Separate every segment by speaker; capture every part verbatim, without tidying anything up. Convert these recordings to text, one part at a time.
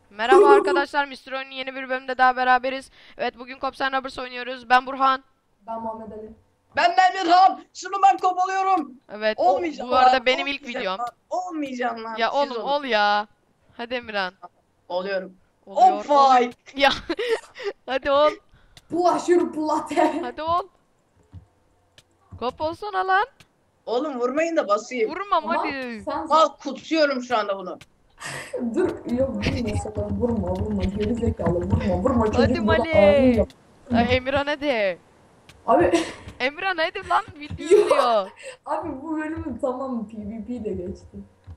Speaker 1: Merhaba arkadaşlar, mister Oyun'un yeni bir bölümde daha beraberiz. Evet, bugün Cops and Robbers oynuyoruz. Ben Burhan.
Speaker 2: Ben Muhammed Ali.
Speaker 3: Ben Emirhan. Şunu ben kovalıyorum.
Speaker 1: Evet,
Speaker 3: Olmayacağım
Speaker 1: bu
Speaker 3: lan.
Speaker 1: arada benim ilk
Speaker 3: Olmayacağım
Speaker 1: videom.
Speaker 3: lan. Olmayacağım lan.
Speaker 1: Ya
Speaker 3: Siz
Speaker 1: oğlum
Speaker 3: olun.
Speaker 1: ol ya. Hadi Emirhan.
Speaker 3: Oluyorum. On
Speaker 1: Oluyor. ol-
Speaker 3: fight.
Speaker 1: Ya hadi ol.
Speaker 2: Bulaşır plate.
Speaker 1: Hadi ol. Kop olsana lan.
Speaker 3: Oğlum vurmayın da basayım.
Speaker 1: Vurmam
Speaker 2: Ama
Speaker 1: hadi.
Speaker 2: sen
Speaker 3: Al kutsuyorum şu anda bunu.
Speaker 2: dur. Yok vurma sakın. Vurma vurma. Geri zekalı vurma. Vurma çocuk
Speaker 1: Hadi
Speaker 2: burada
Speaker 1: Mali.
Speaker 2: ağlayacak.
Speaker 1: Ay, Emirhan hadi.
Speaker 2: Abi
Speaker 1: Emirhan hadi lan, video
Speaker 2: Yok.
Speaker 1: izliyor.
Speaker 2: abi bu bölümün tamam PvP de geçti.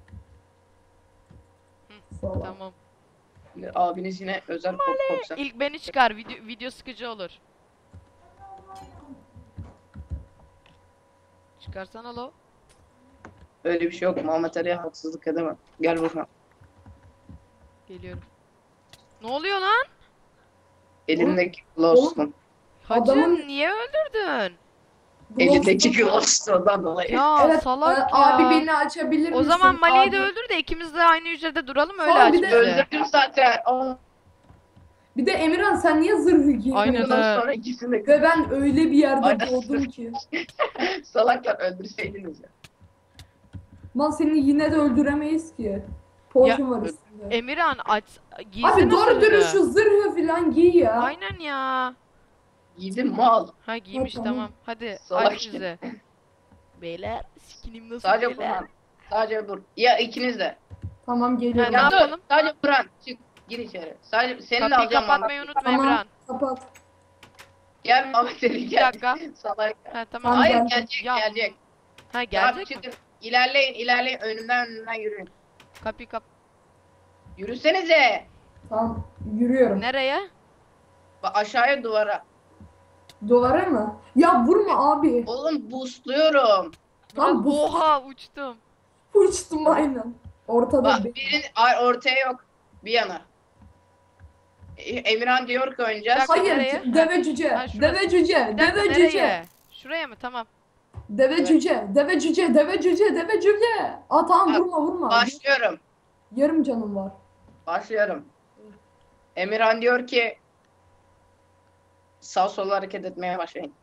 Speaker 2: Salak.
Speaker 1: Tamam.
Speaker 3: Abiniz yine özel kop kopsa.
Speaker 1: İlk beni çıkar, video, video sıkıcı olur. Çıkarsana lo.
Speaker 3: Öyle bir şey yok. Muhammed Ali'ye haksızlık edemem. Gel Burhan.
Speaker 1: Geliyorum. Ne oluyor lan?
Speaker 3: Elimdeki Glowstone.
Speaker 1: Hacı
Speaker 2: Adamın-
Speaker 1: niye öldürdün?
Speaker 3: Elindeki Glowstone'dan dolayı.
Speaker 1: Ya
Speaker 2: Evet
Speaker 1: salak
Speaker 2: e,
Speaker 1: ya.
Speaker 2: abi beni açabilir
Speaker 1: O
Speaker 2: misin?
Speaker 1: zaman Mali'yi de
Speaker 2: Abi-
Speaker 1: öldür de ikimiz de aynı hücrede duralım, öyle
Speaker 2: Sonra
Speaker 1: aç
Speaker 2: bir de
Speaker 1: bizi.
Speaker 3: Öldürdüm zaten. Aa,
Speaker 2: Bir de Emirhan sen niye zırhı giyiyorsun?
Speaker 1: Aynen.
Speaker 3: bundan sonra ikisini de
Speaker 2: Ve ben öyle bir yerde
Speaker 3: Aynen.
Speaker 2: doğdum ki.
Speaker 3: salaklar öldürseydiniz ya.
Speaker 2: Lan seni yine de öldüremeyiz ki. Potion var üstünde.
Speaker 1: Emirhan aç giysene
Speaker 2: Abi doğru
Speaker 1: zırhını.
Speaker 2: dürüst şu zırhı falan giy ya.
Speaker 1: Aynen ya.
Speaker 3: Yedim mal.
Speaker 1: Ha giymiş,
Speaker 2: Tamam.
Speaker 1: tamam. Hadi
Speaker 3: Salak
Speaker 1: aç bize. Beyler skinim nasıl
Speaker 3: Sadece
Speaker 1: beyler?
Speaker 3: Burhan. Sadece Burhan. Ya ikiniz de.
Speaker 2: Tamam
Speaker 1: Ha,
Speaker 2: geliyorum.
Speaker 1: ne
Speaker 3: Ya dur.
Speaker 1: yapalım?
Speaker 3: Sadece Burhan. Çık. Gir içeri. Sadece seni de
Speaker 1: Kapıyı
Speaker 3: alacağım.
Speaker 1: kapatmayı
Speaker 3: Muhammed.
Speaker 1: unutma
Speaker 2: Tamam
Speaker 1: Emirhan.
Speaker 2: kapat.
Speaker 3: Gel Muhammed Ali
Speaker 1: Bir
Speaker 3: gel.
Speaker 1: dakika.
Speaker 3: Salak.
Speaker 1: Ha tamam.
Speaker 2: Tamam,
Speaker 3: Hayır
Speaker 2: gel.
Speaker 3: gelecek
Speaker 1: Ya,
Speaker 3: gelecek.
Speaker 1: Ha
Speaker 3: Tamam
Speaker 1: gelecek mi?
Speaker 3: çıkın. İlerleyin ilerleyin. Önümden önümden yürüyün.
Speaker 1: Kapıyı kap.
Speaker 3: Yürüsenize.
Speaker 2: Tamam yürüyorum.
Speaker 1: Nereye?
Speaker 3: Bak aşağıya duvara.
Speaker 2: Duvara mı? Ya vurma abi.
Speaker 3: Oğlum boostluyorum.
Speaker 2: Lan bu
Speaker 1: Oha uçtum.
Speaker 2: uçtum aynen. Ortada
Speaker 3: Bak
Speaker 2: bir.
Speaker 3: birinin ay, ortaya yok. Bir yana. E- Emirhan diyor ki oynayacağız.
Speaker 1: Bak-
Speaker 2: Hayır
Speaker 1: Nereye?
Speaker 2: deve cüce.
Speaker 1: Ha, şurası.
Speaker 2: Deve cüce.
Speaker 1: Bir dakika,
Speaker 2: Deve
Speaker 1: nereye?
Speaker 2: cüce.
Speaker 1: Şuraya mı? Tamam.
Speaker 2: Deve
Speaker 3: Evet.
Speaker 2: cüce. Deve cüce. Deve cüce. Deve cüce. Aa tamam
Speaker 3: Bak,
Speaker 2: vurma vurma.
Speaker 3: Başlıyorum.
Speaker 2: Yarım canım var.
Speaker 3: Başlıyorum. Emirhan diyor ki sağ sola hareket etmeye başlayın.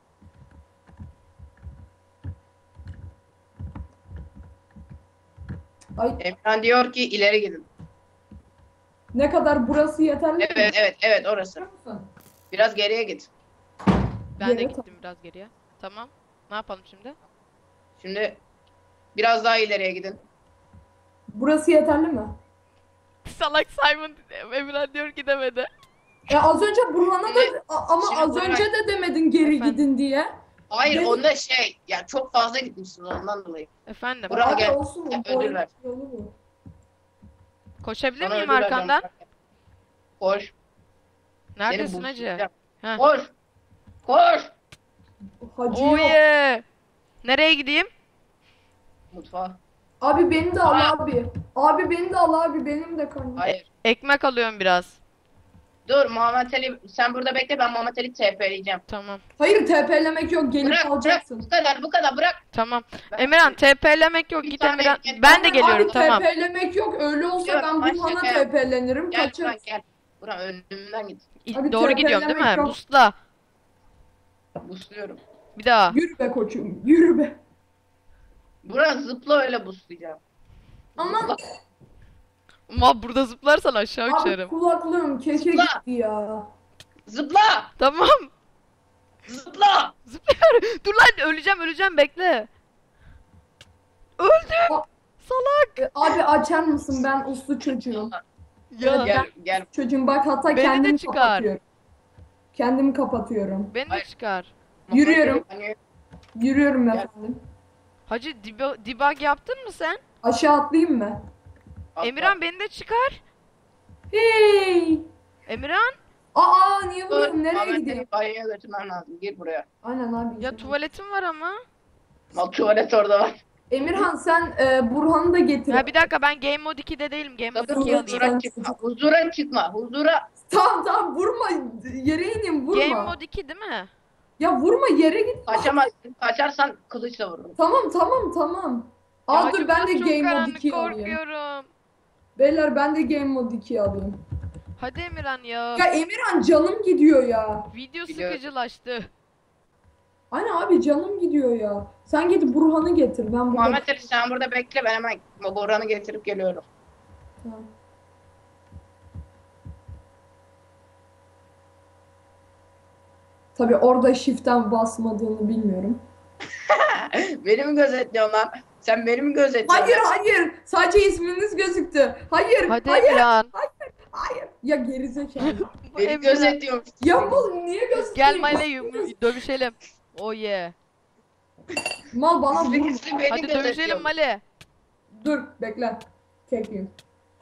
Speaker 2: Ay
Speaker 3: Emirhan diyor ki ileri gidin.
Speaker 2: ne kadar burası yeterli mi?
Speaker 3: Evet evet evet orası.
Speaker 2: Biliyor musun?
Speaker 3: Biraz geriye git.
Speaker 1: Ben de
Speaker 2: Geriye
Speaker 1: gittim biraz geriye. Tamam. Ne yapalım şimdi?
Speaker 3: Şimdi biraz daha ileriye gidin.
Speaker 2: Burası yeterli mi?
Speaker 1: Salak Simon Emirhan diyor ki demedi.
Speaker 2: E az önce Burhan'a da a- ama
Speaker 3: Şimdi
Speaker 2: az
Speaker 3: Burhan-
Speaker 2: önce de demedin geri
Speaker 1: Efendim?
Speaker 2: gidin diye.
Speaker 3: Hayır
Speaker 2: Benim-
Speaker 3: onda şey ya çok fazla gitmişsiniz ondan dolayı.
Speaker 1: Efendim.
Speaker 3: Buraya
Speaker 2: Abi
Speaker 3: gel.
Speaker 2: olsun.
Speaker 3: Ya,
Speaker 2: o
Speaker 3: ödül ver.
Speaker 2: yolu bu.
Speaker 1: Koşabilir
Speaker 3: Sana
Speaker 1: miyim
Speaker 3: ödül vereceğim.
Speaker 1: arkandan?
Speaker 3: Koş.
Speaker 1: Neredesin
Speaker 3: Seni
Speaker 1: hacı?
Speaker 3: boostlayacağım.
Speaker 1: Heh.
Speaker 3: Koş. Koş.
Speaker 2: Hacı
Speaker 1: Oh
Speaker 2: yok.
Speaker 1: yeah. Nereye gideyim?
Speaker 3: Mutfağa.
Speaker 2: Abi beni de al
Speaker 3: Aa.
Speaker 2: abi. Abi beni de al abi. Benim de karnım.
Speaker 3: Hayır.
Speaker 1: Ekmek alıyorum biraz.
Speaker 3: Dur Muhammed Ali sen burada bekle ben Muhammed Ali T P'leyeceğim.
Speaker 1: Tamam.
Speaker 2: Hayır T P'lemek yok. Gelip
Speaker 3: Bırak bırak
Speaker 2: alacaksın.
Speaker 3: bu kadar bu kadar bırak.
Speaker 1: Tamam.
Speaker 3: Ben-
Speaker 1: Emirhan T P'lemek yok.
Speaker 3: Bir
Speaker 1: Git
Speaker 3: tane
Speaker 1: Emirhan.
Speaker 3: ekmek-
Speaker 1: Ben de
Speaker 3: Abi,
Speaker 1: geliyorum
Speaker 2: Abi
Speaker 1: tamam.
Speaker 2: T P'lemek yok. Öyle olsa
Speaker 3: Yok,
Speaker 2: ben
Speaker 3: ben
Speaker 2: Burhan'a
Speaker 3: şaka
Speaker 2: T P'lenirim.
Speaker 3: Gel
Speaker 2: Kaçarız.
Speaker 3: Burak gel. Burak önümden git.
Speaker 2: Abi
Speaker 1: Doğru
Speaker 2: T
Speaker 1: gidiyorum değil mi?
Speaker 2: P'lemek yok.
Speaker 1: Busla.
Speaker 3: Busluyorum.
Speaker 1: Bir daha.
Speaker 2: Yürü be koçum. Yürü be.
Speaker 3: Burak zıpla öyle buslayacağım.
Speaker 2: Ama
Speaker 3: Zıpla.
Speaker 1: Ama burada zıplarsan aşağı
Speaker 2: abi
Speaker 1: uçarım.
Speaker 2: kulaklığım keke
Speaker 3: Zıpla.
Speaker 2: gitti ya.
Speaker 3: Zıpla.
Speaker 1: Tamam.
Speaker 3: Zıpla.
Speaker 1: Zıplıyorum. Dur lan, öleceğim öleceğim, bekle. Öldüm.
Speaker 2: Aa.
Speaker 1: Salak.
Speaker 2: E, abi açar mısın? Ben uslu çocuğum.
Speaker 1: Ya.
Speaker 3: Gel gel.
Speaker 2: Çocuğum bak hatta
Speaker 1: Beni de
Speaker 2: kendimi
Speaker 1: çıkar.
Speaker 2: kapatıyorum. Kendimi kapatıyorum.
Speaker 1: Beni de
Speaker 3: Hayır.
Speaker 1: çıkar.
Speaker 2: Yürüyorum.
Speaker 3: Hani
Speaker 2: Yürüyorum
Speaker 3: Gel.
Speaker 2: efendim.
Speaker 1: Hacı debug, debug yaptın mı sen?
Speaker 2: Aşağı atlayayım mı?
Speaker 3: atla.
Speaker 1: Emirhan beni de çıkar.
Speaker 2: Hey!
Speaker 1: Emirhan.
Speaker 2: Aa niye
Speaker 3: Dur,
Speaker 2: vuruyorum? Nereye
Speaker 3: Muhammed
Speaker 2: gidiyorum?
Speaker 3: Ali banyoya götürmem lazım. Gir buraya.
Speaker 2: Aynen abi.
Speaker 1: Ya tuvaletim var ama.
Speaker 3: Mal tuvalet orada var.
Speaker 2: Emirhan sen e, Burhan'ı da getir.
Speaker 1: Ya bir dakika, ben Game Mode ikide değilim. Game Mode
Speaker 3: Sakın
Speaker 1: ikiye
Speaker 2: Dur,
Speaker 1: alayım.
Speaker 2: sen
Speaker 3: huzura çıkma.
Speaker 2: çocuk.
Speaker 3: Huzura çıkma. Huzura.
Speaker 2: Tamam tamam vurma. Yere ineyim vurma.
Speaker 1: Game Mode iki değil mi?
Speaker 2: Ya vurma yere git.
Speaker 3: Kaçamazsın. Kaçarsan kılıçla vururum.
Speaker 2: Tamam tamam tamam.
Speaker 1: Ya
Speaker 2: Aa
Speaker 1: hacı,
Speaker 2: dur ben de
Speaker 1: burası çok
Speaker 2: Game Mode
Speaker 1: karanlık,
Speaker 2: ikiyi alayım.
Speaker 1: korkuyorum.
Speaker 2: Beyler ben de Game Mode ikiyi alayım.
Speaker 1: Hadi Emirhan ya.
Speaker 2: Ya Emirhan canım gidiyor ya.
Speaker 1: Video
Speaker 3: Biliyorum.
Speaker 1: sıkıcılaştı.
Speaker 2: Aynen abi canım gidiyor ya. Sen git Burhan'ı getir. Ben burada...
Speaker 3: Muhammed Ali sen burada bekle, ben hemen Boran'ı getirip geliyorum.
Speaker 2: Tamam. Tabii orada shift'ten basmadığını bilmiyorum.
Speaker 3: Beni mi gözetliyorsun lan? Sen beni mi gözetliyorsun?
Speaker 2: Hayır hayır. Sadece isminiz gözüktü. Hayır.
Speaker 1: Hadi
Speaker 2: hayır.
Speaker 1: Emirhan.
Speaker 2: Hayır. Ya gerizekalı.
Speaker 1: Bu
Speaker 3: Beni
Speaker 1: Emirhan.
Speaker 3: gözetliyormuş.
Speaker 2: Ya mal niye gösteriyorsun?
Speaker 1: Gel Male yum- dövüşelim. Oh yeah.
Speaker 2: Mal bana
Speaker 3: Gizli
Speaker 2: vur.
Speaker 3: gizli beni
Speaker 1: Hadi dövüşelim
Speaker 3: gözetliyorsun.
Speaker 1: Male.
Speaker 2: Dur bekle. Çekeyim.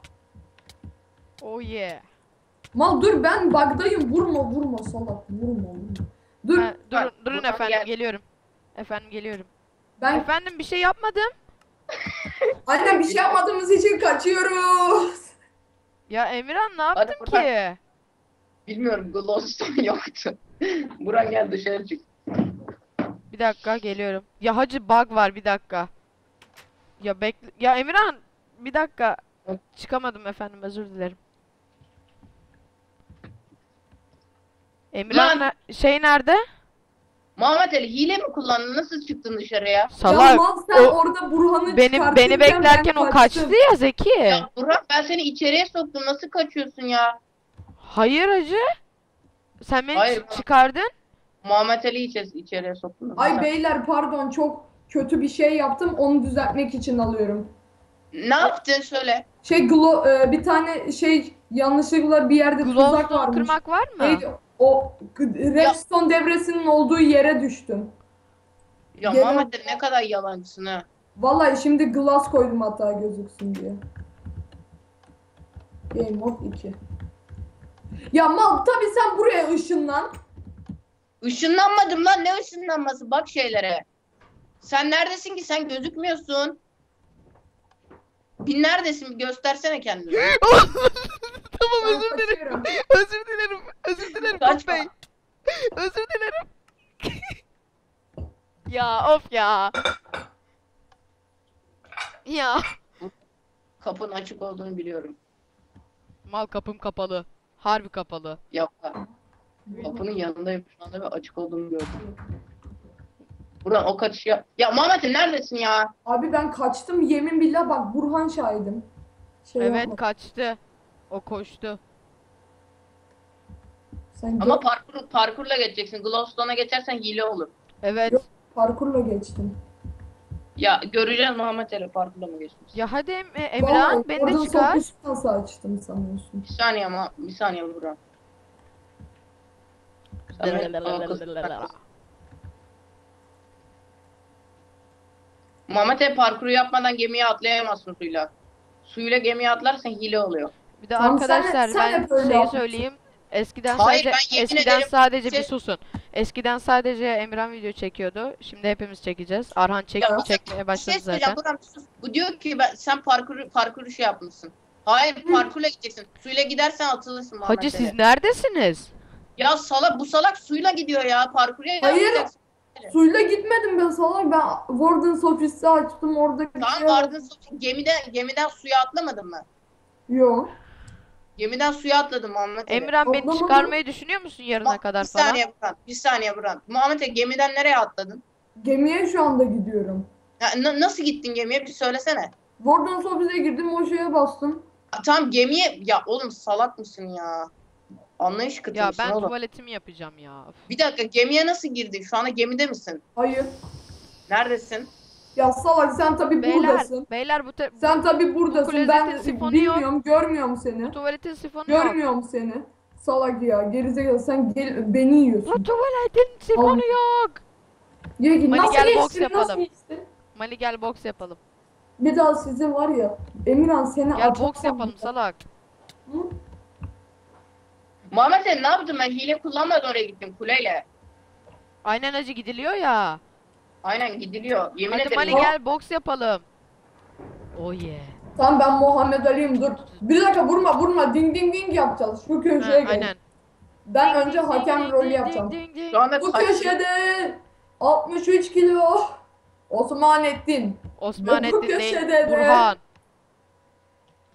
Speaker 1: Oh yeah.
Speaker 2: Mal dur ben bug'dayım. Vurma vurma salak. Vurma vurma. Dur
Speaker 1: Ha, durun,
Speaker 3: Bak,
Speaker 1: durun
Speaker 3: buradan
Speaker 1: efendim
Speaker 3: gel.
Speaker 1: geliyorum. Efendim geliyorum.
Speaker 2: ben
Speaker 1: Efendim bir şey yapmadım.
Speaker 2: anne bir şey yapmadığımız için kaçıyoruz.
Speaker 1: Ya Emirhan ne
Speaker 3: Hadi
Speaker 1: yaptın
Speaker 3: buradan.
Speaker 1: ki?
Speaker 3: Bilmiyorum, Glowstone yoktu. Buran gel dışarı çık.
Speaker 1: Bir dakika geliyorum. Ya hacı bug var bir dakika. Ya bekle. Ya Emirhan bir dakika.
Speaker 3: Evet.
Speaker 1: Çıkamadım efendim özür dilerim. Emirhan
Speaker 3: Lan!
Speaker 1: ne- şey nerede?
Speaker 3: Muhammed Ali hile mi kullandın? Nasıl çıktın dışarıya?
Speaker 2: Ya
Speaker 1: Salak.
Speaker 2: mal sen
Speaker 1: o-
Speaker 2: orada Burhan'ı
Speaker 1: Benim
Speaker 2: çıkartırken
Speaker 1: beni beklerken
Speaker 2: ben
Speaker 1: o kaçtı ya Zeki.
Speaker 3: Ya Burak, ben seni içeriye soktum. Nasıl kaçıyorsun ya?
Speaker 1: Hayır hacı. Sen beni
Speaker 3: Hayır,
Speaker 1: çı-
Speaker 3: ben-
Speaker 1: çıkardın.
Speaker 3: Muhammed Ali'yi içe- içeriye soktun.
Speaker 2: Ay
Speaker 3: Sen-
Speaker 2: beyler pardon çok kötü bir şey yaptım. Onu düzeltmek için alıyorum.
Speaker 3: Ne yaptın söyle.
Speaker 2: Şey glo e, bir tane şey yanlışlıkla bir yerde tuzak
Speaker 1: Glowstone
Speaker 2: varmış.
Speaker 1: kırmak var mı?
Speaker 2: Neydi? O g- redstone devresinin olduğu yere düştüm.
Speaker 3: Ya
Speaker 2: Gel-
Speaker 3: Muhammed Ali ne kadar yalancısın ha.
Speaker 2: Vallahi şimdi glass koydum hatta gözüksün diye. Game mode iki. Ya mal tabii sen buraya ışınlan.
Speaker 3: Işınlanmadım lan, ne ışınlanması, bak şeylere. Sen neredesin ki, sen gözükmüyorsun. Bir neredesin, bir göstersene kendini.
Speaker 1: Tamam
Speaker 2: Ben
Speaker 1: özür dilerim.
Speaker 2: kaçıyorum.
Speaker 1: Özür dilerim. Özür dilerim
Speaker 3: Kaçma.
Speaker 1: Top Bey. Özür dilerim. Ya of ya. Ya.
Speaker 3: Kapının açık olduğunu biliyorum.
Speaker 1: Mal kapım kapalı. Harbi kapalı.
Speaker 3: Yok, kapının yanındayım şu anda ve açık olduğunu gördüm. Buran o kaçış ya. Ya Muhammed Ali neredesin ya?
Speaker 2: Abi ben kaçtım yemin billah bak Burhan şahidim. Şey
Speaker 1: Evet
Speaker 2: yapma.
Speaker 1: kaçtı. O koştu.
Speaker 2: Sen
Speaker 3: Ama
Speaker 2: gö-
Speaker 3: parkur, parkurla geçeceksin. Glowstone'a geçersen hile olur.
Speaker 1: Evet.
Speaker 2: Yok. parkurla geçtim.
Speaker 3: Ya göreceğiz Muhammed Ali parkurla mı geçmiş?
Speaker 1: Ya hadi Em- e, Emirhan
Speaker 2: Vallahi
Speaker 1: beni de
Speaker 2: oradan
Speaker 1: çıkar.
Speaker 2: sokuş nasıl açtım sanıyorsun?
Speaker 3: Bir saniye ama bir saniye Buran. Sen beni- Aa, kız- Muhammed Ali parkuru yapmadan gemiye atlayamazsın suyla. Suyla gemiye atlarsan hile oluyor.
Speaker 1: Bir de
Speaker 2: Tamam, sen-
Speaker 1: arkadaşlar
Speaker 2: sen
Speaker 1: ben
Speaker 2: hep öyle
Speaker 1: şeyi
Speaker 2: yapmışsın.
Speaker 1: söyleyeyim. Eskiden
Speaker 3: Hayır,
Speaker 1: sadece
Speaker 3: ben yemin
Speaker 1: eskiden
Speaker 3: ederim
Speaker 1: sadece bir
Speaker 3: şey-
Speaker 1: susun. Eskiden sadece Emirhan video çekiyordu. Şimdi hepimiz çekeceğiz. Arhan çek
Speaker 3: Ya,
Speaker 1: çekmeye
Speaker 3: Bir
Speaker 1: başladı
Speaker 3: şey söyleyeceğim
Speaker 1: zaten.
Speaker 3: Buran, bir sus. Bu diyor ki ben, sen parkuru parkuru şey yapmışsın. Hayır, parkurla gideceksin. Suyla gidersen atılırsın Muhammed
Speaker 1: Hacı
Speaker 3: Ali.
Speaker 1: siz neredesiniz?
Speaker 3: Ya salak, bu salak suyla gidiyor ya, parkura
Speaker 2: Hayır.
Speaker 3: yapmayacaksın.
Speaker 2: Suyla gitmedim ben salak ben Warden's ofisi açtım orada bir
Speaker 3: Tamam,
Speaker 2: şey
Speaker 3: vardın sonra gemiden gemiden suya atlamadın mı?
Speaker 2: Yok.
Speaker 3: Gemiden suya atladım Muhammed Ali.
Speaker 1: Emirhan beni
Speaker 2: Atlamadım.
Speaker 1: çıkarmayı düşünüyor musun yarına
Speaker 3: Bak,
Speaker 1: kadar
Speaker 3: bir
Speaker 1: falan?
Speaker 3: saniye Buran, bir saniye Buran. Muhammed Ali gemiden nereye atladın?
Speaker 2: Gemiye şu anda gidiyorum.
Speaker 3: Ya, na- nasıl gittin gemiye, bir söylesene.
Speaker 2: Warden's ofise girdim o şeye bastım.
Speaker 3: Ha, tamam gemiye, ya oğlum salak mısın ya? Anlayış kıtı
Speaker 1: Ya
Speaker 3: mısın
Speaker 1: ben
Speaker 3: oğlum?
Speaker 1: tuvaletimi yapacağım ya. Üf.
Speaker 3: Bir dakika, gemiye nasıl girdin? Şu anda gemide misin?
Speaker 2: Hayır.
Speaker 3: Neredesin?
Speaker 2: Ya salak sen tabi
Speaker 1: Beyler,
Speaker 2: buradasın.
Speaker 1: beyler bu, te-
Speaker 2: Sen tabi buradasın.
Speaker 1: klozetin
Speaker 2: Ben
Speaker 1: sifonu
Speaker 2: bilmiyorum, görmüyorum seni.
Speaker 1: bu tuvaletin sifonu yok.
Speaker 2: Görmüyorum seni. Salak ya, gerizekalı sen gel beni
Speaker 1: Bu
Speaker 2: yiyorsun.
Speaker 1: tuvaletin sifonu yok.
Speaker 2: Ya ki
Speaker 1: Hadi
Speaker 2: nasıl
Speaker 1: gel boks
Speaker 2: geçtin, nasıl
Speaker 1: yapalım.
Speaker 2: geçtin?
Speaker 1: Mali gel boks yapalım.
Speaker 2: Bir daha size var ya, Emirhan seni
Speaker 1: Gel
Speaker 2: atamam
Speaker 1: boks yapalım
Speaker 2: ya.
Speaker 1: salak.
Speaker 2: Hı?
Speaker 3: Muhammed Ali ne yaptın? Ben hile kullanmadan oraya gittim kuleyle.
Speaker 1: Aynen acı gidiliyor ya.
Speaker 3: Aynen gidiliyor. Yemin
Speaker 1: Hadi
Speaker 3: ederim.
Speaker 1: Mali gel boks yapalım. Oh yeah.
Speaker 2: Tamam ben Muhammed Ali'yim dur. Bir dakika vurma vurma ding ding ding yapacağız. Şu
Speaker 1: Ha,
Speaker 2: köşeye gel.
Speaker 1: aynen.
Speaker 2: Ben önce hakem
Speaker 1: Ding,
Speaker 2: rolü
Speaker 1: ding,
Speaker 2: yapacağım.
Speaker 1: ding, ding.
Speaker 3: Şu anda
Speaker 2: Bu
Speaker 3: kaç-
Speaker 2: köşede altmış üç kilo Osmanettin. Bu
Speaker 1: Osmanettin
Speaker 2: köşede
Speaker 1: değil.
Speaker 2: de-
Speaker 1: Burhan.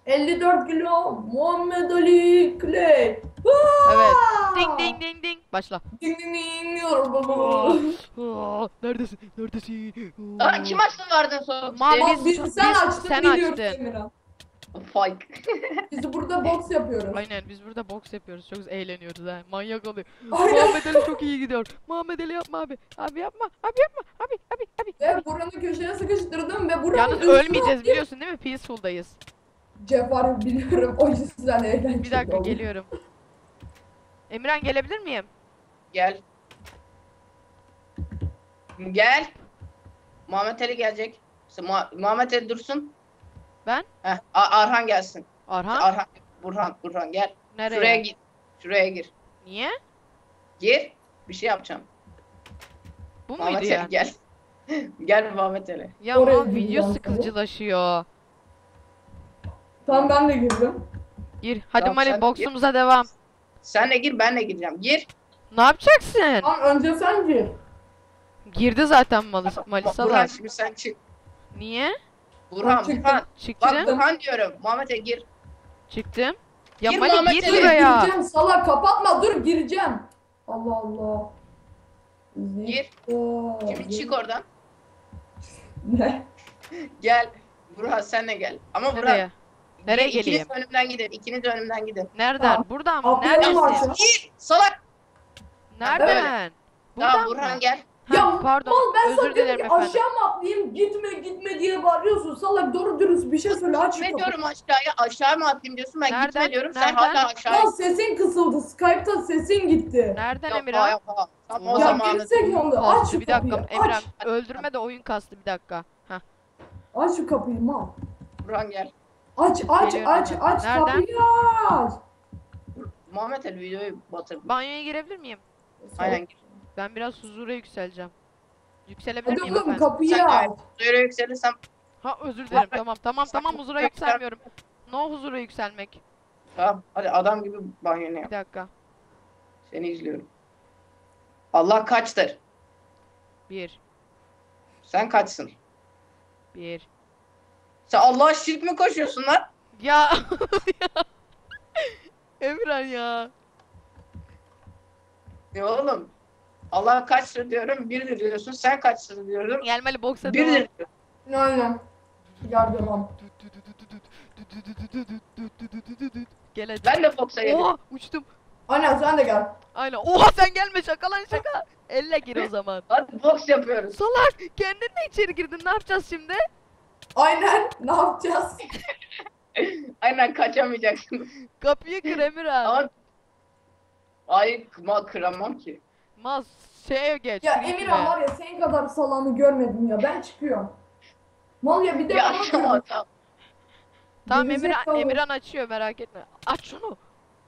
Speaker 2: elli dört kilo Muhammed Ali Clay.
Speaker 1: Evet.
Speaker 2: Aa!
Speaker 1: Ding ding ding ding. Başla.
Speaker 2: Ding ding ding diyor
Speaker 1: Aa,
Speaker 2: baba.
Speaker 1: aa, neredesin? Neredesin?
Speaker 3: Aa, kim açtı vardın soğuk
Speaker 1: Mavi-
Speaker 2: Lan
Speaker 1: Biz-
Speaker 2: biz, sen
Speaker 1: biz-
Speaker 2: açtın
Speaker 1: sen
Speaker 2: biliyoruz
Speaker 1: açtın.
Speaker 2: Emirhan.
Speaker 3: Fight.
Speaker 2: Biz burada boks yapıyoruz.
Speaker 1: Aynen biz burada boks yapıyoruz. Çok eğleniyoruz ha. Manyak oluyor.
Speaker 2: Aynen.
Speaker 1: Muhammed Ali çok iyi gidiyor. Muhammed Ali yapma abi. Abi yapma. Abi yapma. Abi abi abi.
Speaker 2: Ve buranı köşeye sıkıştırdım ve buranın
Speaker 1: Yalnız
Speaker 2: üstüne
Speaker 1: ölmeyeceğiz
Speaker 2: atlayıp-
Speaker 1: biliyorsun değil mi? Peaceful'dayız.
Speaker 2: Cevher biliyorum o yüzden eğlenceli
Speaker 1: Bir dakika
Speaker 2: oldu.
Speaker 1: geliyorum. Emirhan gelebilir miyim?
Speaker 3: Gel. Gel. Muhammed Ali gelecek. Mu- Muhammed Ali dursun.
Speaker 1: Ben?
Speaker 3: Heh, A- Arhan gelsin.
Speaker 1: Arhan?
Speaker 3: Arhan, Burhan, Burhan gel.
Speaker 1: Nereye?
Speaker 3: Şuraya git. Şuraya gir.
Speaker 1: Niye?
Speaker 3: Gir. Bir şey yapacağım.
Speaker 1: Bu muydu
Speaker 3: Muhammed
Speaker 1: ya?
Speaker 3: Ali gel. Gel Muhammed Ali.
Speaker 1: Ya
Speaker 2: Oraya
Speaker 1: aman video
Speaker 2: gireceğim
Speaker 1: sıkıcılaşıyor.
Speaker 2: Tamam ben de girdim.
Speaker 1: Gir. Hadi
Speaker 3: Tamam,
Speaker 1: Mali
Speaker 3: sen
Speaker 1: boksumuza devam.
Speaker 3: Sen de gir, ben de gireceğim. Gir.
Speaker 1: Ne yapacaksın?
Speaker 2: Tamam önce sen gir.
Speaker 1: Girdi zaten Mali, Mali
Speaker 3: Burhan
Speaker 1: salak.
Speaker 3: şimdi sen çık.
Speaker 1: Niye?
Speaker 3: Burhan,
Speaker 2: çıktım.
Speaker 3: Burhan. Bak
Speaker 1: Çıktım.
Speaker 3: Burhan diyorum. Muhammed Ali gir.
Speaker 1: Çıktım. Ya
Speaker 3: Gir
Speaker 1: Mali
Speaker 3: Muhammed
Speaker 1: gir
Speaker 3: Ali.
Speaker 2: Dur
Speaker 1: şuraya.
Speaker 2: gireceğim salak kapatma dur gireceğim. Allah Allah.
Speaker 3: Gir.
Speaker 2: Zikra,
Speaker 3: Şimdi çık oradan.
Speaker 2: Ne?
Speaker 3: Gel. Burhan sen de gel. Ama Burhan.
Speaker 1: Nereye? Nereye
Speaker 3: İkiniz
Speaker 1: geleyim?
Speaker 3: önümden gidin. İkiniz de önümden gidin.
Speaker 1: Nereden?
Speaker 2: Tamam.
Speaker 1: Buradan mı?
Speaker 2: Atlayalım
Speaker 1: Neredesin?
Speaker 2: aşağı.
Speaker 3: Gir. Salak.
Speaker 1: Nereden? Buradan
Speaker 3: Tamam
Speaker 1: mı?
Speaker 3: Burhan gel.
Speaker 1: Ha,
Speaker 2: Ya
Speaker 1: pardon.
Speaker 2: mal ben sana
Speaker 1: Özür
Speaker 2: diyorum
Speaker 1: dilerim
Speaker 2: ki
Speaker 1: efendim.
Speaker 2: aşağı mı atlayayım gitme gitme diye bağırıyorsun salak doğru dürüst bir şey söyle aç şu
Speaker 3: Ne
Speaker 2: kapıyı.
Speaker 3: diyorum aşağıya? Aşağı mı atlayayım diyorsun. Ben
Speaker 1: Nereden?
Speaker 3: gitme diyorum. Sen
Speaker 1: Nereden?
Speaker 3: hala aşağıya.
Speaker 2: Lan sesin kısıldı Skype'ta sesin gitti.
Speaker 1: Nereden
Speaker 3: Yapma,
Speaker 1: Emirhan?
Speaker 3: yapma. Tamam o
Speaker 1: Ya
Speaker 2: Ya
Speaker 3: zaman.
Speaker 2: gerizekalı aç
Speaker 1: Kastı
Speaker 2: şu
Speaker 1: bir dakika.
Speaker 2: kapıyı
Speaker 1: Emirhan
Speaker 2: aç.
Speaker 1: öldürme de oyun kastı bir dakika. Heh.
Speaker 2: Aç şu kapıyı mal.
Speaker 3: Burhan gel.
Speaker 2: Aç aç
Speaker 1: Geliyorum
Speaker 2: aç
Speaker 1: hemen.
Speaker 2: aç
Speaker 1: Nereden?
Speaker 2: kapıyı aç.
Speaker 3: Muhammed Ali videoyu batırdı.
Speaker 1: Banyoya girebilir miyim?
Speaker 3: Aynen.
Speaker 1: Ben biraz huzura yükseleceğim. Yükselebilir
Speaker 2: Hadi
Speaker 1: miyim
Speaker 2: oğlum
Speaker 1: efendim?
Speaker 2: kapıyı
Speaker 3: Sen de
Speaker 2: aç.
Speaker 3: Böyle yükselirsem
Speaker 1: Ha özür dilerim. Tamam tamam tamam huzura yükselmiyorum. No huzura yükselmek.
Speaker 3: tamam. Hadi adam gibi banyonu yap.
Speaker 1: Bir dakika.
Speaker 3: Seni izliyorum. Allah kaçtır?
Speaker 1: Bir.
Speaker 3: Sen kaçsın?
Speaker 1: Bir.
Speaker 3: Sen Allah'a şirk mi koşuyorsun lan?
Speaker 1: Ya. Ya. Emirhan ya.
Speaker 3: Ya oğlum. Allah kaçtır diyorum. Birdir diyorsun. Sen kaçsın diyorum.
Speaker 1: Gelmeli boksa
Speaker 3: Birdir
Speaker 1: devam.
Speaker 3: diyorsun.
Speaker 2: Aynen. Gel devam.
Speaker 1: Gel hadi.
Speaker 3: Ben de boksa yedim.
Speaker 1: Oha uçtum.
Speaker 2: Aynen sen de gel.
Speaker 1: Aynen. Oha sen gelme şaka lan şaka. Elle gir o zaman.
Speaker 3: Hadi boks yapıyoruz.
Speaker 1: Salak kendin de içeri girdin ne yapacağız şimdi?
Speaker 2: Aynen ne yapacağız?
Speaker 3: Aynen kaçamayacaksın.
Speaker 1: Kapıyı kır Emirhan.
Speaker 3: Ama ay kıma kıramam ki.
Speaker 1: Maz şeye geç.
Speaker 2: Ya
Speaker 1: creepy'e.
Speaker 2: Emirhan var ya senin kadar salanı görmedim ya ben çıkıyorum. Mal ya bir de
Speaker 3: Ya
Speaker 2: bana
Speaker 3: tamam
Speaker 2: diyor.
Speaker 3: tamam.
Speaker 1: Tamam
Speaker 2: Gerizekalı.
Speaker 1: Emirhan, Emirhan açıyor merak etme. Aç şunu.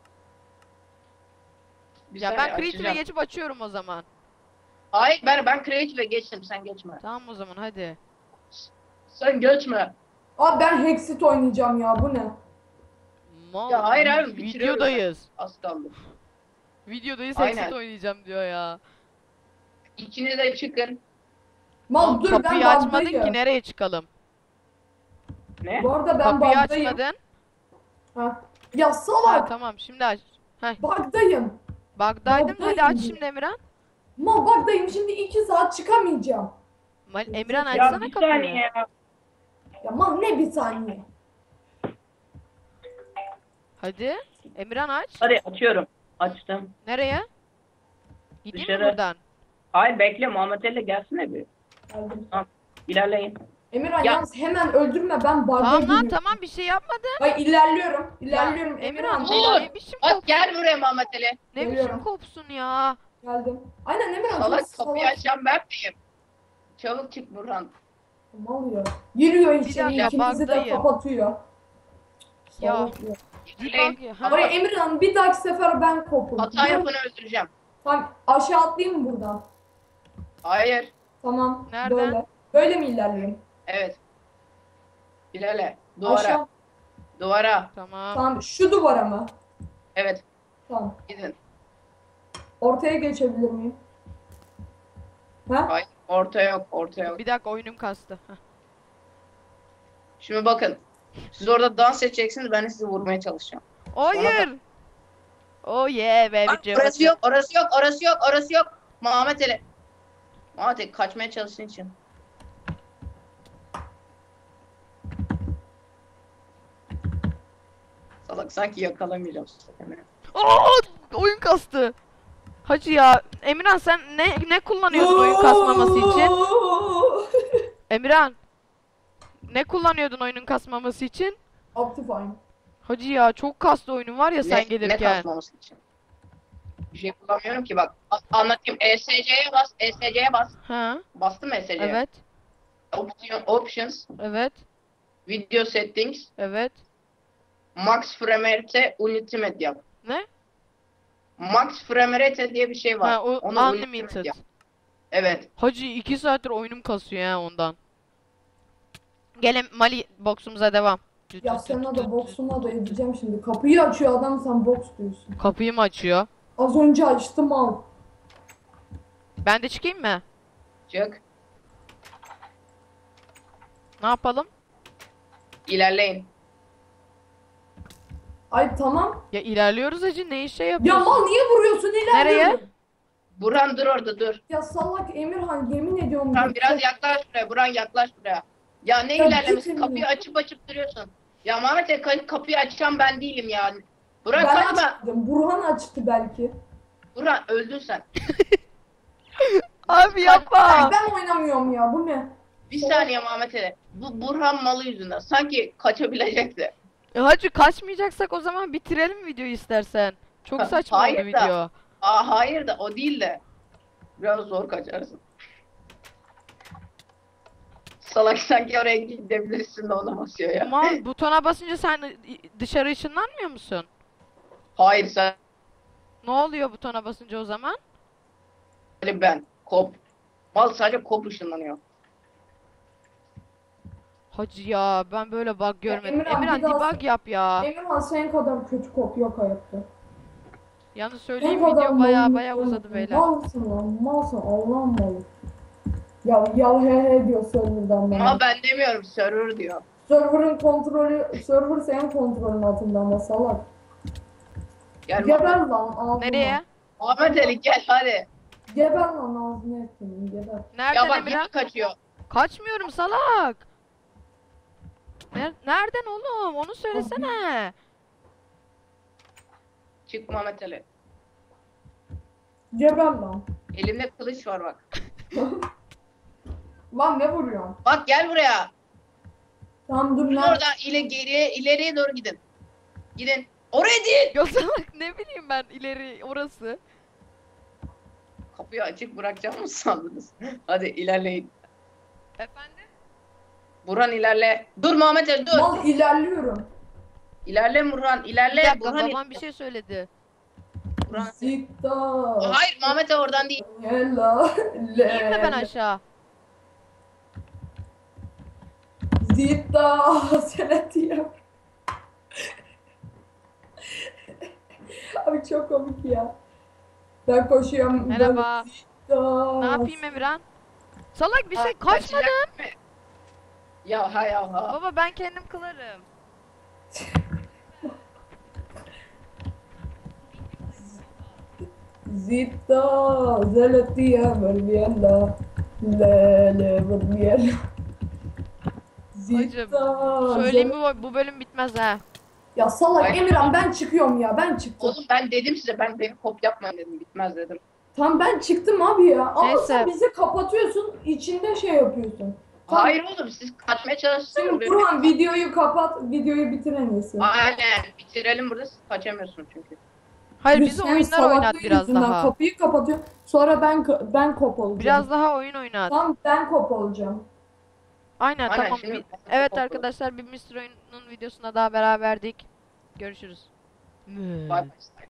Speaker 3: Bir
Speaker 1: Ya
Speaker 3: saniye,
Speaker 1: ben Creative'e
Speaker 3: açacağım.
Speaker 1: geçip açıyorum o zaman.
Speaker 3: Hayır ben ben Creative'e geçtim sen geçme.
Speaker 1: Tamam o zaman hadi.
Speaker 3: Sen geçme.
Speaker 2: Abi ben Hexit oynayacağım ya bu ne?
Speaker 1: Mal,
Speaker 3: Ya hayır
Speaker 1: vi-
Speaker 3: abi, bitiriyorum
Speaker 1: videodayız.
Speaker 3: Az kaldı.
Speaker 1: Videodayız
Speaker 3: Aynen.
Speaker 1: Exit oynayacağım diyor ya.
Speaker 3: İkiniz de çıkın.
Speaker 2: Mal
Speaker 1: Mal,
Speaker 2: dur ben
Speaker 1: kapıyı açmadın
Speaker 2: bagdayım.
Speaker 1: ki nereye çıkalım?
Speaker 3: Ne?
Speaker 2: Bu arada ben
Speaker 1: Kapıyı
Speaker 2: bagdayım.
Speaker 1: açmadın.
Speaker 2: Ha. Ya
Speaker 1: Ha
Speaker 2: salak
Speaker 1: tamam şimdi aç. Heh,
Speaker 2: bagdayım.
Speaker 1: bug'daydın
Speaker 2: Bug'dayım
Speaker 1: hadi aç
Speaker 2: diyor.
Speaker 1: şimdi Emirhan.
Speaker 2: Mal bagdayım şimdi iki saat çıkamayacağım.
Speaker 1: Mal, Emirhan
Speaker 3: Ya
Speaker 1: açsana
Speaker 3: bir
Speaker 1: kapıyı.
Speaker 3: saniye ya.
Speaker 2: Ya mal ne bir saniye.
Speaker 1: Hadi. Emirhan aç.
Speaker 3: Hadi açıyorum. Açtım.
Speaker 1: Nereye? Gideyim mi
Speaker 3: Dışarı.
Speaker 1: buradan?
Speaker 3: Hayır bekle Muhammed Ali gelsene bir.
Speaker 2: Geldim.
Speaker 3: İlerleyin.
Speaker 2: Emirhan
Speaker 3: Ya-
Speaker 2: yalnız hemen öldürme ben bagda
Speaker 1: Tamam lan
Speaker 2: giriyorum.
Speaker 1: tamam bir şey yapmadım.
Speaker 2: Ay ilerliyorum. İlerliyorum
Speaker 1: Ya, Emirhan
Speaker 2: Emirhan.
Speaker 3: Dur.
Speaker 1: ne, ne biçim
Speaker 3: Bak
Speaker 1: kop,
Speaker 3: gel buraya Muhammed Ali.
Speaker 1: ne biçim
Speaker 2: Geliyorum.
Speaker 1: kopsun ya.
Speaker 2: Geldim. Aynen Emirhan.
Speaker 3: Salak
Speaker 2: çok
Speaker 3: kapıyı
Speaker 2: salak.
Speaker 3: açan ben miyim? Çabuk çık Burhan.
Speaker 2: Mal ya. Giriyor içeri
Speaker 1: dakika,
Speaker 2: ikimizi de
Speaker 1: bagdayım.
Speaker 2: kapatıyor.
Speaker 1: Ya.
Speaker 2: Salak ya.
Speaker 1: Bir
Speaker 3: Hey,
Speaker 1: bak ya. Ha,
Speaker 2: Oraya Emirhan bir dahaki sefer ben kopum.
Speaker 3: Hata
Speaker 2: Dur.
Speaker 3: yapanı öldüreceğim.
Speaker 2: Tamam aşağı atlayayım mı buradan?
Speaker 3: Hayır.
Speaker 2: Tamam.
Speaker 1: Nereden?
Speaker 2: Böyle. Böyle mi ilerleyeyim?
Speaker 3: Evet. İlerle. Duvara.
Speaker 2: Aşağı.
Speaker 3: Duvara.
Speaker 1: Tamam.
Speaker 2: Tamam şu duvara mı?
Speaker 3: Evet.
Speaker 2: Tamam.
Speaker 3: Gidin.
Speaker 2: Ortaya geçebilir miyim? Ha?
Speaker 3: Hayır. Orta yok. Orta yok.
Speaker 1: Bir dakika oyunum kastı. Heh.
Speaker 3: Şimdi bakın. Siz orada dans edeceksiniz, ben de sizi vurmaya çalışacağım.
Speaker 1: Hayır. Oh yeah
Speaker 3: Bak,
Speaker 1: baby.
Speaker 3: orası yok, orası yok, orası yok, orası yok. Muhammed Ali. Muhammed Ali kaçmaya çalıştığın için. Salak sanki yakalamayacağım seni.
Speaker 1: Aa, oyun kastı. Hacı ya. Emirhan sen ne ne kullanıyordun oyun kasmaması için? Emirhan. Ne kullanıyordun oyunun kasmaması için?
Speaker 2: Optifine.
Speaker 1: Hacı ya çok kastı oyunun var ya sen
Speaker 3: Ne, ne
Speaker 1: gelirken.
Speaker 3: kasmaması için? Bir şey kullanmıyorum ki bak. A- Anlatayım. E S C'ye bas, E S C'ye bas.
Speaker 1: Ha,
Speaker 3: Bastım E S C'ye.
Speaker 1: evet.
Speaker 3: Option, options,
Speaker 1: Evet.
Speaker 3: video settings,
Speaker 1: Evet.
Speaker 3: max frame rate, ultimate yap.
Speaker 1: Ne?
Speaker 3: Max frame rate diye bir şey var.
Speaker 1: Ha, o
Speaker 3: Onu ultimate
Speaker 1: unlimited.
Speaker 3: yap. Evet.
Speaker 1: Hacı iki saattir oyunum kasıyor ya ondan. Gelin Mali boksumuza devam.
Speaker 2: Ya sana da boksuna da edeceğim şimdi. Kapıyı açıyor adam, sen boks diyorsun.
Speaker 1: Kapıyı mı açıyor?
Speaker 2: Az önce açtım al.
Speaker 1: Ben de çıkayım mı?
Speaker 3: Çık.
Speaker 1: Ne yapalım?
Speaker 3: İlerleyin.
Speaker 2: Ay tamam.
Speaker 1: Ya ilerliyoruz hacı ne işe
Speaker 2: Ya
Speaker 1: yapıyorsun?
Speaker 2: mal niye vuruyorsun ilerliyorum.
Speaker 1: Nereye?
Speaker 3: Burhan dur orada dur.
Speaker 2: Ya salak Emirhan yemin ediyorum.
Speaker 3: Tamam
Speaker 2: bak-
Speaker 3: biraz yaklaş buraya. Burhan yaklaş buraya. Ya ne
Speaker 2: Ya
Speaker 3: ilerlemesi?
Speaker 2: git
Speaker 3: Kapıyı
Speaker 2: Emine.
Speaker 3: açıp açıp duruyorsun. Ya Mehmet Ali, ka- kapıyı açan ben değilim ya. Burhan
Speaker 2: Ben
Speaker 3: kaçma.
Speaker 2: açtım. Burhan açtı belki.
Speaker 3: Burhan öldün sen.
Speaker 1: Abi yapma.
Speaker 2: Ay ben oynamıyorum ya bu ne?
Speaker 3: Bir saniye Mehmet Ali. Bu Burhan malı yüzünden. Sanki kaçabilecekti.
Speaker 1: E hacı kaçmayacaksak o zaman bitirelim videoyu istersen. Çok
Speaker 3: Ha,
Speaker 1: saçma oldu
Speaker 3: hayır da.
Speaker 1: video.
Speaker 3: Aa hayır da o değil de. Biraz zor kaçarsın. Salak sanki oraya gidebilirsin de ona basıyor ya.
Speaker 1: Ama butona basınca sen dışarı ışınlanmıyor musun?
Speaker 3: Hayır sen
Speaker 1: Ne oluyor butona basınca o zaman?
Speaker 3: ben. Kop. Mal sadece kop ışınlanıyor.
Speaker 1: Hacı ya ben böyle bug görmedim.
Speaker 2: Emirhan,
Speaker 1: Emirhan
Speaker 2: bir daha-
Speaker 1: debug yap ya.
Speaker 2: Emirhan senin kadar kötü kop yok hayatta.
Speaker 1: Yalnız
Speaker 2: Senin
Speaker 1: söyleyeyim
Speaker 2: kadar
Speaker 1: video baya
Speaker 2: malın
Speaker 1: baya
Speaker 2: yok.
Speaker 1: uzadı beyler.
Speaker 2: Malsın lan malsın Allah'ın malı. Ya ya he he diyor serverdan bana.
Speaker 3: Ama ben demiyorum server diyor.
Speaker 2: Server'ın kontrolü, server senin kontrolün altında ama salak.
Speaker 3: Gel
Speaker 2: Geber
Speaker 3: Muhammed.
Speaker 2: lan ağzına.
Speaker 1: Nereye?
Speaker 3: Muhammed Ali gel hadi.
Speaker 2: Geber lan ağzına ettin geber.
Speaker 1: Nereden
Speaker 3: Ya bak
Speaker 1: Emirhan?
Speaker 3: yine kaçıyor.
Speaker 1: Kaçmıyorum salak. Ner- Nereden oğlum? Onu söylesene.
Speaker 3: Çık Muhammed Ali.
Speaker 2: Geber lan.
Speaker 3: Elimde kılıç var bak.
Speaker 2: Lan ne vuruyorsun?
Speaker 3: Bak gel buraya.
Speaker 2: Tamam dur
Speaker 3: Gidin
Speaker 2: lan.
Speaker 3: oradan ile geriye ileriye doğru gidin. Gidin. Oraya değil.
Speaker 1: Ya salak ne bileyim ben ileri orası.
Speaker 3: Kapıyı açık bırakacağım mı sandınız? Hadi ilerleyin.
Speaker 1: Efendim?
Speaker 3: Burhan ilerle. Dur Muhammed Ali dur.
Speaker 2: Mal ilerliyorum.
Speaker 3: İlerle Burhan
Speaker 1: Bir
Speaker 3: ilerle.
Speaker 1: dakika
Speaker 3: Burhan
Speaker 1: babam bir şey söyledi.
Speaker 3: Burhan.
Speaker 2: Zikta.
Speaker 3: Hayır Muhammed Ali oradan değil.
Speaker 2: Yella.
Speaker 1: İneyim mi ben aşağı?
Speaker 2: Zikta. Sen diyor. Abi çok komik ya. Ben koşuyorum.
Speaker 1: Merhaba.
Speaker 2: Zikta.
Speaker 1: Ne yapayım Emirhan? Salak bir şey
Speaker 3: Ha,
Speaker 1: kaçmadım.
Speaker 3: kaçacak mı? Ya ha ya ha.
Speaker 1: Baba ben kendim kılarım.
Speaker 2: Zikta. Zelatiya vermiyella. Lele vermiyella. Zikta.
Speaker 1: Söyleyeyim bu, bu bölüm bitmez ha.
Speaker 2: Ya salak
Speaker 3: Ay.
Speaker 2: Emirhan ben çıkıyorum ya ben çıktım.
Speaker 3: Oğlum ben dedim size ben beni kop yapmayın dedim bitmez dedim.
Speaker 2: Tam ben çıktım abi ya. Ama
Speaker 1: Neyse.
Speaker 2: sen bizi kapatıyorsun içinde şey yapıyorsun. Tamam.
Speaker 3: Hayır oğlum siz kaçmaya çalıştınız.
Speaker 2: Şimdi Burhan videoyu kapat, videoyu bitir en iyisi.
Speaker 3: Aynen bitirelim burada siz kaçamıyorsun çünkü.
Speaker 1: Hayır
Speaker 2: Biz
Speaker 1: bizi
Speaker 2: senin
Speaker 1: oyunlar oynat
Speaker 2: salaklığın
Speaker 1: biraz
Speaker 2: yüzünden
Speaker 1: daha.
Speaker 2: Kapıyı kapatıyor. Sonra ben ka- ben kop olacağım.
Speaker 1: Biraz daha oyun oynat.
Speaker 2: Tamam ben kop olacağım.
Speaker 1: Aynen
Speaker 3: Aynen,
Speaker 1: tamam.
Speaker 3: şimdi
Speaker 1: Bir-
Speaker 3: ben
Speaker 1: Evet
Speaker 3: kapatıyorum.
Speaker 1: arkadaşlar bir mister Oyun'un videosuna daha beraberdik. Görüşürüz.
Speaker 3: Bye bye.